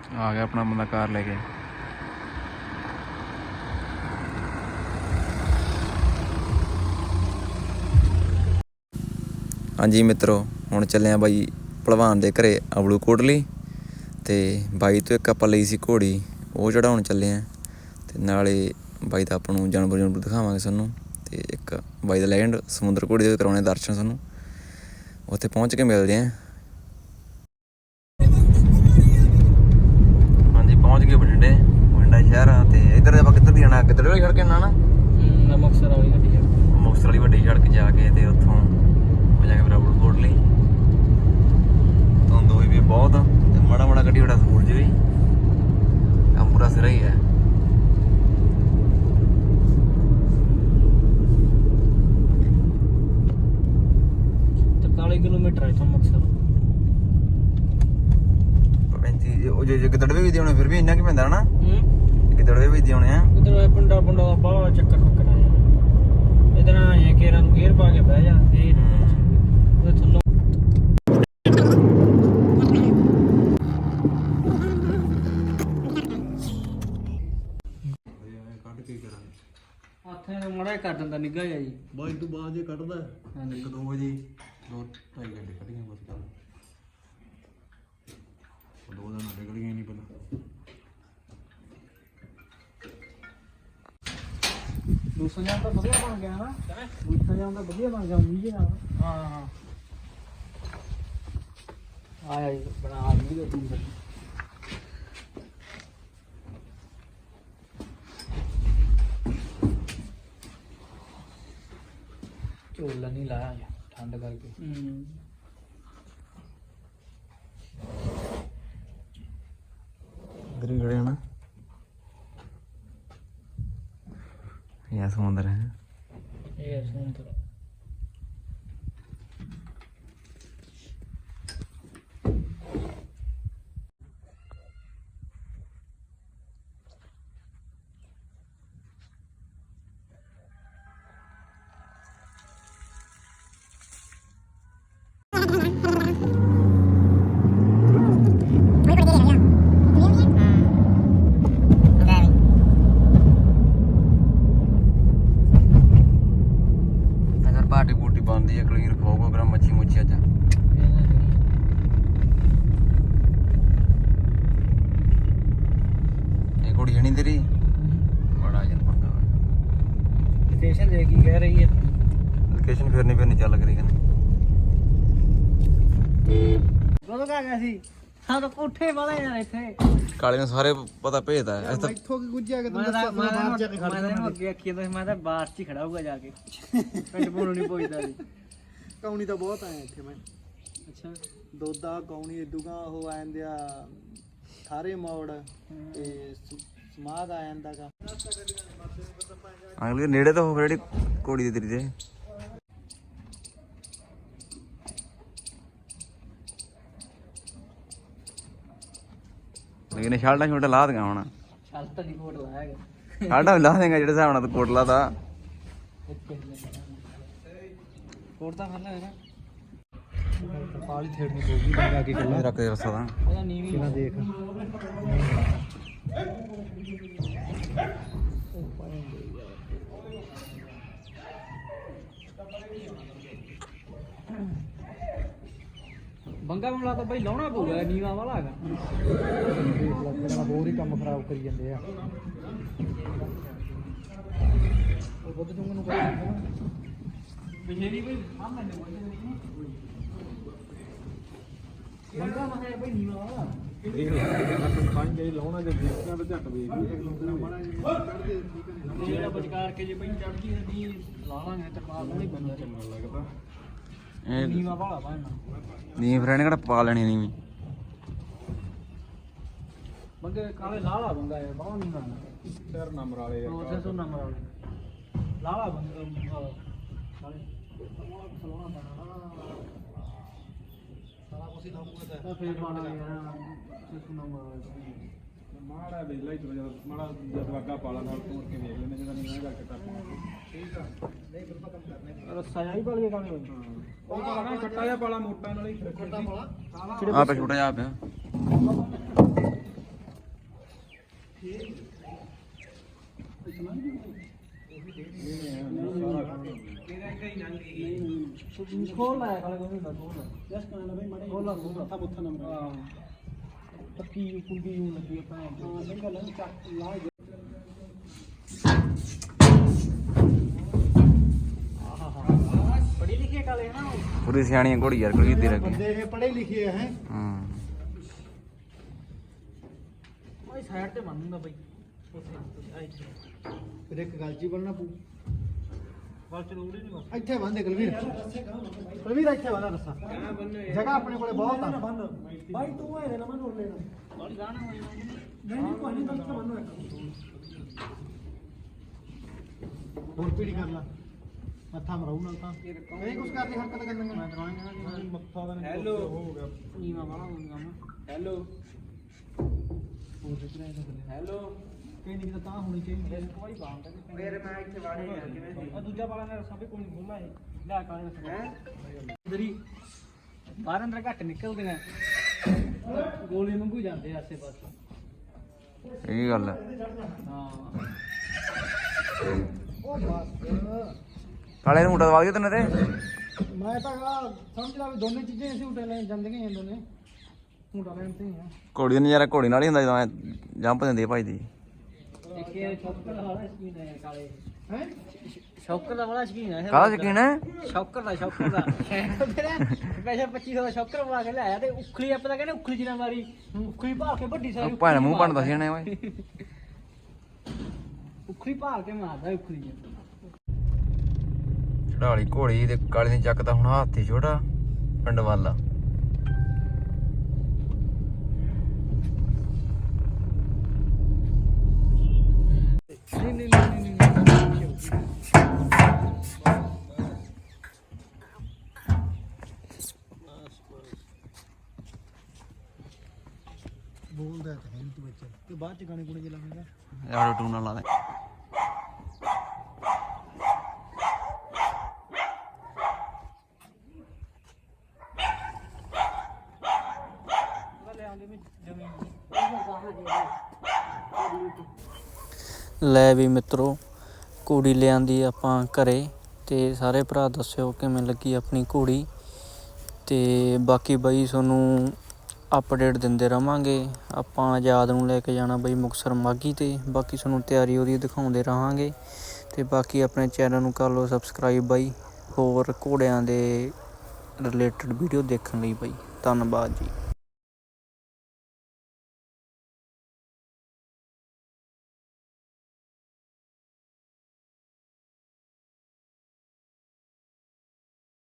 आ गया अपना बंदा कार लेके। हाँ जी मित्रों, हुण चले बाई भलवान दे घरे अबलू कोटली ते बाई तो एक आपां लई सी घोड़ी, वो चढ़ाउण चले हैं ते नाले बाई दा आपां नूं जानवर दिखावांगे सानूं ते एक बाई दा लैंड समुंदर घोड़ी दे करवाने दर्शन सानूं, उत्थे पहुँच के मिलदे हैं। हाँ जी पहुँच गए बठिंडे शहर ते इधर आपां किੱਧਰ ਦੀ जाना, गिੱਦੜ वाली सड़क ना मुक्तसर वाली वड्डी सड़क जाके ते उत्थों हो जाके फिर अबलू कोटली। धुंद होई भी बहुत ते माड़ा माड़ा कड्ढी बड़ा सूरज भी, काम पूरा सिरा ही है। 43 किलोमीटर है इथों मुक्तसर। 35 जे गिੱਦੜਵੇ ਵੀ ਹੋਣੇ, ਫਿਰ ਵੀ ਇੰਨਾ ਕੀ ਪੈਂਦਾ ਨਾ। गिੱਦੜਵੇ ਵੀ ਹੋਣੇ ਆ। इधर पिंडा पुंडा ਦਾ ਬਾਹਲਾ ਚੱਕਰ ਫੱਕਰ ਆਇਆ। ਇਧਰ ਆਏ ਕੇਰਾਂ ਨੂੰ ਗੇਅਰ ਪਾ ਕੇ ਬਹਿ ਜਾ, ਇਹ ਉਹਦੇ ਥੱਲੋਂ ਹੱਥਾਂ ਨੂੰ ਮੜਾ ਕਰ ਦਿੰਦਾ ਨਿੱਘਾ ਜਿਹਾ ਜੀ। ਬਾਈ ਤੋਂ ਬਾਅਦ ਜੇ ਕੱਢਦਾ 1-2 ਵਜੇ 2-2.5 ਘੰਟੇ ਕੱਢ ਗਏ ਬਸ ਕੱਲ। 2 ਦਿਨ ਨਿਕਲ ਗਏ ਨਹੀਂ ਪਤਾ। ਦੂਸਰਾ ਜਾਮ ਤਾਂ ਵਧੀਆ ਬਣ ਗਿਆ ਨਾ, ਦੂਸਰਾ ਜਾਮ ਤਾਂ ਵਧੀਆ ਬਣ ਗਿਆ ਮੀਂਹ ਨਾਲ। ਹਾਂ ਆਇਆ ਜੀ ਬਣਾ ਮੀਂਹ ਦਾ ਦੂਸਰਾ। ਝੋਲਾ ਨਹੀਂ ਲਾਇਆ ਜੀ ਠੰਡ ਕਰਕੇ। इधर ही खड़े हैं ना, यहाँ समुंदर है। ਇਹ ਸਮੁੰਦਰ पार्टी पूटी बनती है, क्लीन खाओगे फिर मच्छी मुच्छी अजा ये कुड़ी है नहीं तेरी बड़ा जन पंगा। लोकेशन देखी कह रही है, लोकेशन फिरनी चल रही है। ਕਦੋਂ ਕਾ ਗਿਆ ਸੀ? ਹਾਂ ਤਾਂ ਕੋਠੇ ਵਾਲੇ ਯਾਰ ਇੱਥੇ ਕਾਲੇ ਨੂੰ ਸਾਰੇ ਪਤਾ ਭੇਜਦਾ ਹੈ। ਇੱਥੋਂ ਕੀ ਗੁੱਜਿਆ ਕਿ ਤੂੰ ਮੈਂ ਦੱਸਿਆ ਬਾਹਰ ਜਾ ਕੇ ਖੜ ਮੈਂ ਅੱਗੇ ਆਖੀ ਤਾਂ ਮੈਂ ਤਾਂ ਬਾਹਰ 'ਚ ਹੀ ਖੜਾ ਹੋਊਗਾ ਜਾ ਕੇ, ਪਿੰਡ ਪੂਣੋਂ ਨਹੀਂ ਪਹੁੰਚਦਾ ਸੀ। ਕੌਣੀ ਤਾਂ ਬਹੁਤ ਆਏ ਇੱਥੇ ਮੈਂ। ਅੱਛਾ ਦੋਦਾ ਕੌਣੀ ਇਦੂਗਾ ਉਹ ਆ ਜਾਂਦੇ ਆ ਸਾਰੇ ਮੋੜ ਤੇ ਸਮਾਦ ਆ ਜਾਂਦਾਗਾ। ਅਗਲੇ ਨੇੜੇ ਤਾਂ ਹੋ ਫਿਰ ਜਿਹੜੀ ਕੋੜੀ ਦੀ ਤੇਰੀ ਦੇ ਲੇਕਿਨ ਛਾਲਟਾ ਛੋਟਾ ਲਾ ਦੇਗਾ ਹੁਣ। ਚੱਲ ਤਾਂ ਨਹੀਂ ਕੋਟ ਲਾਇਆ ਛਾਲਟਾ ਲਾ ਦੇਗਾ ਜਿਹੜੇ ਹਿਸਾਬ ਨਾਲ ਤੂੰ ਕੋਟਲਾ ਦਾ ਕੋਟ ਤਾਂ ਖੱਲਾ ਹੈ ਨਾ, ਪਾਲੀ ਥੇੜਨੀ ਪਊਗੀ ਲਗਾ ਕੇ ਗੱਲਾਂ ਰੱਖ ਦੇ ਰਸਾ ਦਾ ਉਹਦਾ ਨੀਵੀਂ ਕਿਹਨਾਂ ਦੇਖ ਬੰਗਾ ਮਾਮਲਾ ਤਾਂ ਬਈ ਲਾਉਣਾ ਪਊਗਾ, ਨੀਵਾ ਵਾਲਾ ਹੈਗਾ। ਦੇਖ ਲਾ ਹੋਰ ਹੀ ਕੰਮ ਖਰਾਬ ਕਰੀ ਜਾਂਦੇ ਆ। ਉਹ ਬੁੱਧ ਜੁੰਗ ਨੂੰ ਪਿਛੇਰੀ ਬਈ ਸਾਹਮਣੇ ਨੇ ਬੰਗਾ ਮਾਮਲਾ ਬਈ ਨੀਵਾ ਵਾਲਾ ਦੇਖ ਲਾ ਪਾਣੀ ਜਿਹੜੀ ਲਾਉਣਾ ਜੇ ਦੇਖਣਾ ਤਾਂ ਝੱਟ ਵੇਖ ਜਿਹੜਾ ਬਚਕਾਰ ਕੇ ਜੇ ਬਈ ਚੜਦੀ ਨਹੀਂ ਲਾ ਲਾਂਗੇ ਤੇ ਪਾ ਨਹੀਂ ਬੰਦਾ ਚੰਗਾ ਲੱਗਦਾ। ਨੀਵਾ ਵਾਲਾ ਪਾਣਾ ਨੀ ਫਿਰ ਇਹਨੇ ਕਿਹੜਾ ਪਾ ਲੈਣੀ ਨਹੀਂ ਵੀ ਬੰਗੇ ਕਾਲੇ ਲਾਲਾ ਬੰਗਾ ਹੈ ਬਾਹਰ ਨਹੀਂ ਨਾ ਸਿਰ ਨੰਬਰ ਵਾਲੇ ਉਸੇ ਤੋਂ ਨੰਬਰ ਵਾਲੇ ਲਾਲਾ ਬੰਗਾ ਨਾਲੇ ਸਲੋਣਾ ਪਾਣਾ ਸਾਰਾ ਕੁਝ ਹੀ ਲਾਉਂਗਾ ਤਾਂ ਫੇਰ ਪਾਣਾ ਯਾਰ ਉਸੇ ਨੰਬਰ ਵਾਲੇ ਮਾੜਾ ਵੇਖ ਲੈ ਜਦੋਂ ਮਾੜਾ ਜਦ ਵਾਗਾ ਪਾਲਾ ਨਾਲ ਤੋੜ ਕੇ ਵੇਖ ਲੈਣੇ ਜਦੋਂ ਨਹੀਂ ਕਰਕੇ ਕਰਨਾ। ਠੀਕ ਆ ਨਹੀਂ ਫਿਰ ਕੰਮ ਕਰਨੇ ਰੱਸਾ ਜਾਈ ਪਾਲੀਏ ਕਾਲੇ ਉਹ ਪਾਲਾ ਕੱਟਾ ਜਿਹਾ ਪਾਲਾ ਮੋਟਾ ਨਾਲ ਹੀ ਕੱਟਾ ਪਾਲਾ ਆ ਪੇ ਛੋਟਾ ਜਿਹਾ ਪਿਆ ਖੋਲ ਲਾਇਆ ਕਾਲੇ ਕੋਈ ਹੁੰਦਾ ਖੋਲ ਜਸ ਕਰਾਂ ਬਈ ਮੜੇ ਖੋਲ ਲਾ ਖੋਲ ਮੱਥਾ ਮੁੱਥਾ ਨੰਬਰ ਹਾਂ ਪੱਕੀ ਕੁੰਡੀ ਨੂੰ ਲੱਗੀ ਆਪਾਂ ਹਾਂ ਸਹੀ ਗੱਲ ਹੈ ਚੱਕ ਲਾ ਪੜੀ ਲਿਖੀ ਕਾਲੇ ਹੈ ਨਾ ਪੂਰੀ ਸਿਆਣੀ ਘੋੜੀ ਯਾਰ ਕੁਲਵੀਰ ਦੀ ਲੱਗੀ ਬੰਦੇ ਇਹ ਪੜ੍ਹੇ ਲਿਖੇ ਹੈ ਹਾਂ ਉਹ ਸਾਈਡ ਤੇ ਬੰਨੂਗਾ ਬਈ ਉੱਥੇ ਫਿਰ ਇੱਕ ਗੱਲ ਜੀ ਬਣਨਾ ਪੂ ਗੱਲ ਜ਼ਰੂਰੀ ਨਹੀਂ ਬਸ ਇੱਥੇ ਬੰਦੇ ਕੁਲਵੀਰ ਕੁਲਵੀਰ ਇੱਥੇ ਬੰਦਾ ਰਸਾ ਜਗ੍ਹਾ ਆਪਣੇ ਕੋਲੇ ਬਹੁਤ ਆ ਬਾਈ ਤੂੰ ਇਹਦੇ ਨਾਲ ਮਨ ਲੈਣਾ ਬਾਈ ਗਾਣਾ ਹੋਈ ਨਹੀਂ ਕੋਈ ਨਹੀਂ ਤਾਂ ਬੰਨੋ ਇੱਕ ਹੋਰ ਪੀੜੀ ਕਰ ਲਾ ਮੱਥਾ ਮਰਾਉ ਨਾਲ ਤਾਂ ਨਹੀਂ ਕੁਛ ਕਰਦੀ ਹਰਕਤ ਕਰਨੀ ਮੈਂ ਕਰਾਂਗਾ ਮੱਥਾ ਦਾ ਹੈਲੋ ਹੋ ਗਿਆ ਨੀਵਾ ਵਾਲਾ ਹੋ ਗਿਆ ਮੈਂ ਹੈਲੋ ਹੋਰ ਕਿਹੜਾ ਹੈਲੋ ਕਿੰਨੀ ਕਿ ਤਾਂ ਹੋਣੀ ਚਾਹੀਦੀ ਮੇਰੇ ਕੋਈ ਬਾਤ ਨਹੀਂ ਮੇਰੇ ਮੈਂ ਇੱਥੇ ਵਾੜੇ ਜਾ ਕਿਵੇਂ ਸੀ ਦੂਜਾ ਵਾਲਾ ਨੇ ਸਭ ਕੋਈ ਨਹੀਂ ਬੋਲਾ ਇਹ ਲੈ ਕਾਲੇ ਨੇ ਹੈ ਇਧਰੀ ਬਾਹਰ ਅੰਦਰ ਘੱਟ ਨਿਕਲਦੇ ਨੇ ਗੋਲੀ ਮੰਗੂ ਜਾਂਦੇ ਆਸੇ ਪਾਸੇ ਇਹ ਗੱਲ ਹੈ ਹਾਂ ਉਹ ਬਸ ਕਾਲੇ ਨੂੰ ਮੁੰਡਾ ਦਵਾ ਦਿਓ ਤੈਨੂੰ ਤੇ ਮੈਂ ਤਾਂ ਸਮਝ ਲਾ ਵੀ ਦੋਨੇ ਚੀਜ਼ਾਂ ਅਸੀਂ ਉਟੇ ਲੈ ਜਾਂਦੀਆਂ ਹੀ ਦੋਨੇ ਮੁੰਡਾ ਲੈਣ ਤੇ ਹੀ ਆ ਘੋੜੀ ਦਾ ਨਜ਼ਾਰਾ ਘੋੜੀ ਨਾਲ ਹੀ ਹੁੰਦਾ ਜਦੋਂ ਜੰਪ ਦਿੰਦੀ ਭਾਈ ਦੀ ਇੱਕ ਇਹ ਸ਼ੌਕਰ ਦਾ ਵਾਲਾ ਸ਼ਕੀਨ ਹੈ ਕਾਲੇ ਹੈ ਸ਼ੌਕਰ ਦਾ ਵਾਲਾ ਸ਼ਕੀਨ ਹੈ ਕਾਹਦਾ ਯਕੀਨ ਹੈ ਸ਼ੌਕਰ ਦਾ ਸਪੈਸ਼ਲ 2500 ਦਾ ਸ਼ੌਕਰ ਬਣਾ ਕੇ ਲਿਆਇਆ ਤੇ ਉਖਲੀ ਆਪਾਂ ਤਾਂ ਕਹਿੰਦੇ ਉਖਲੀ ਜਿਨਾ ਮਾਰੀ ਉਖਲੀ ਭਾਲ ਕੇ ਵੱਡੀ ਸਾਰੀ ਭੈਣ ਮੂੰਹ ਬਣਦਾ ਸੀ ਇਹਨੇ ਓਏ ਉਖਲੀ ਭਾਲ ਕੇ ਮਾਰਦਾ ਉਖਲੀ ਚੜਾਲੀ ਘੋੜੀ ਤੇ ਕਾਲੇ ਨੇ ਚੱਕਦਾ ਹੁਣ ਹਾਥੀ ਛੋਟਾ ਪਿੰਡ ਵਾਲਾ ਨਹੀਂ ਬੋਲਦਾ ਤਾਂ ਹੈ ਤੂੰ ਵਿੱਚ ਤੇ ਬਾਅਦ ਚ ਗਾਣੇ ਗੁਣੇ ਚਲਾਵੇਂਗਾ ਯਾਰ ਟੂਨ ਨਾਲ ਲਾ ਦੇ ਲੈ ਵੀ ਮਿੱਤਰੋ ਘੋੜੀ ਲਿਆਂਦੀ ਆਪਾਂ ਘਰੇ ਤੇ ਸਾਰੇ ਭਰਾ ਦੱਸਿਓ ਕਿਵੇਂ ਲੱਗੀ ਆਪਣੀ ਘੋੜੀ ਤੇ ਬਾਕੀ ਬਾਈ ਤੁਹਾਨੂੰ ਅਪਡੇਟ ਦਿੰਦੇ ਰਵਾਂਗੇ ਆਪਾਂ ਆਜ਼ਾਦ ਨੂੰ ਲੈ ਕੇ ਜਾਣਾ ਬਾਈ ਮੁਕਤਸਰ ਮਾਘੀ ਤੇ ਬਾਕੀ ਤੁਹਾਨੂੰ ਤਿਆਰੀ ਉਹਦੀ ਦਿਖਾਉਂਦੇ ਰਹਾਂਗੇ ਤੇ ਬਾਕੀ ਆਪਣੇ ਚੈਨਲ ਨੂੰ ਕਰ ਲਓ ਸਬਸਕ੍ਰਾਈਬ ਬਾਈ ਹੋਰ ਘੋੜਿਆਂ ਦੇ ਰਿਲੇਟਡ ਵੀਡੀਓ ਦੇਖਣ ਲਈ ਬਾਈ ਧੰਨਵਾਦ ਜੀ।